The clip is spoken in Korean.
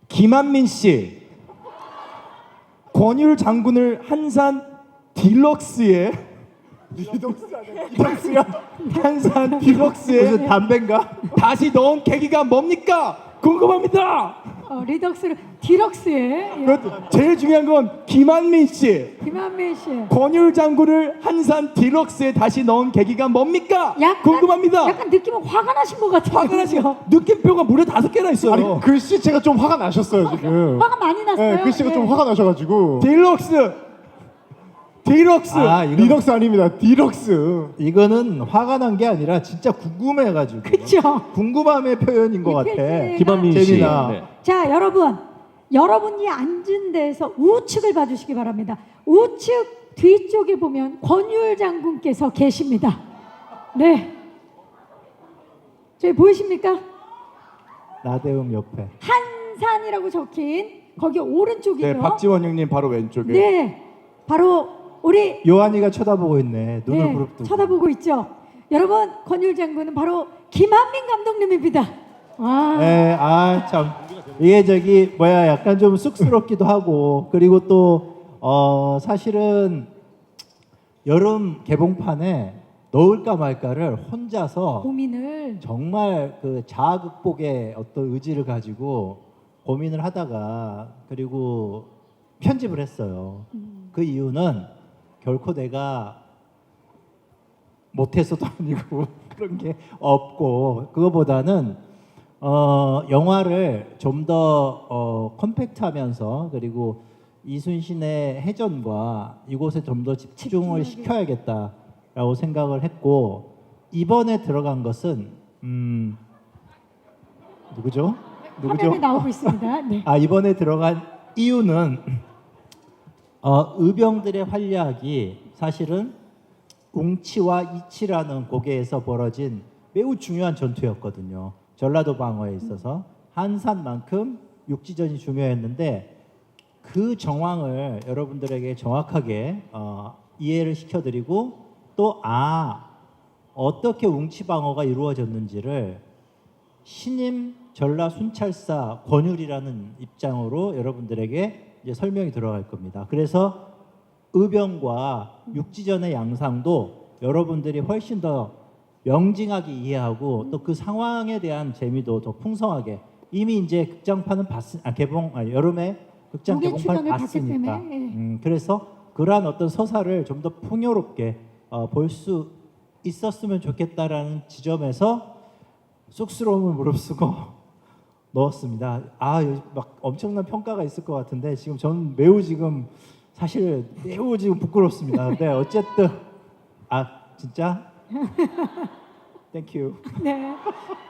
김한민 씨, 권율 장군을 한산 딜럭스에 리덕스야? 한산 딜럭스에 무슨 담배인가? 다시 넣은 계기가 뭡니까? 궁금합니다. 리덕스를 디럭스에 제일 중요한 건 김한민 씨, 김한민 씨. 권율 장군을 한산 딜럭스에 다시 넣은 계기가 뭡니까? 궁금합니다. 약간 느낌은 화가 나신 것 같아요. 화가 나시고 느낌표가 무려 5개나 있어요. 아니 글씨체가 좀 화가 나셨어요 지금. 화가 많이 났어요. 네, 글씨가 좀 예. 화가 나셔가지고. 딜럭스, 딜럭스. 아, 이거 리덕스 아닙니다. 디럭스. 이거는 화가 난 게 아니라 진짜 궁금해가지고. 그쵸. 궁금함의 표현인 것 이 같아. 표현이 김한민 씨. 재미나. 네. 자, 여러분이 앉은 데에서 우측을 봐주시기 바랍니다. 우측 뒤쪽에 보면 권율 장군께서 계십니다. 네. 저기 보이십니까? 나대음 옆에. 한산이라고 적힌 거기 오른쪽이죠. 네, 박지원 형님 바로 왼쪽에. 네, 바로 우리 요한이가 쳐다보고 있네. 눈을 네, 부릅뜨고. 쳐다보고 있죠. 여러분, 권율 장군은 바로 김한민 감독님입니다. 와, 네, 아 참. 이게 저기 뭐야 약간 좀 쑥스럽기도 하고 그리고 또 사실은 여름 개봉판에 넣을까 말까를 혼자서 고민을 정말 그 자아 극복의 어떤 의지를 가지고 고민을 하다가 그리고 편집을 했어요. 그 이유는 결코 내가 못해서도 아니고 그런 게 없고 그거보다는 영화를 좀 더 컴팩트하면서 그리고 이순신의 해전과 이곳에 좀 더 집중을 시켜야겠다라고 생각을 했고 이번에 들어간 것은 누구죠? 화면에 나오고 있습니다. 네. 아 이번에 들어간 이유는 의병들의 활약이 사실은 웅치와 이치라는 고개에서 벌어진 매우 중요한 전투였거든요. 전라도 방어에 있어서 한산만큼 육지전이 중요했는데 그 정황을 여러분들에게 정확하게 이해를 시켜드리고 또 어떻게 웅치 방어가 이루어졌는지를 신임 전라 순찰사 권율이라는 입장으로 여러분들에게 이제 설명이 들어갈 겁니다. 그래서 의병과 육지전의 양상도 여러분들이 훨씬 더 명징하게 이해하고 또 그 상황에 대한 재미도 더 풍성하게 이미 이제 극장판은 여름에 극장 무게 개봉판 출연을 봤기 봤으니까 때문에, 예. 그래서 그러한 어떤 서사를 좀 더 풍요롭게 볼 수 있었으면 좋겠다라는 지점에서 쑥스러움을 무릅쓰고 넣었습니다. 막 엄청난 평가가 있을 것 같은데 지금 저는 매우 지금 사실 매우 지금 부끄럽습니다. 근데 어쨌든 진짜 땡큐. 네.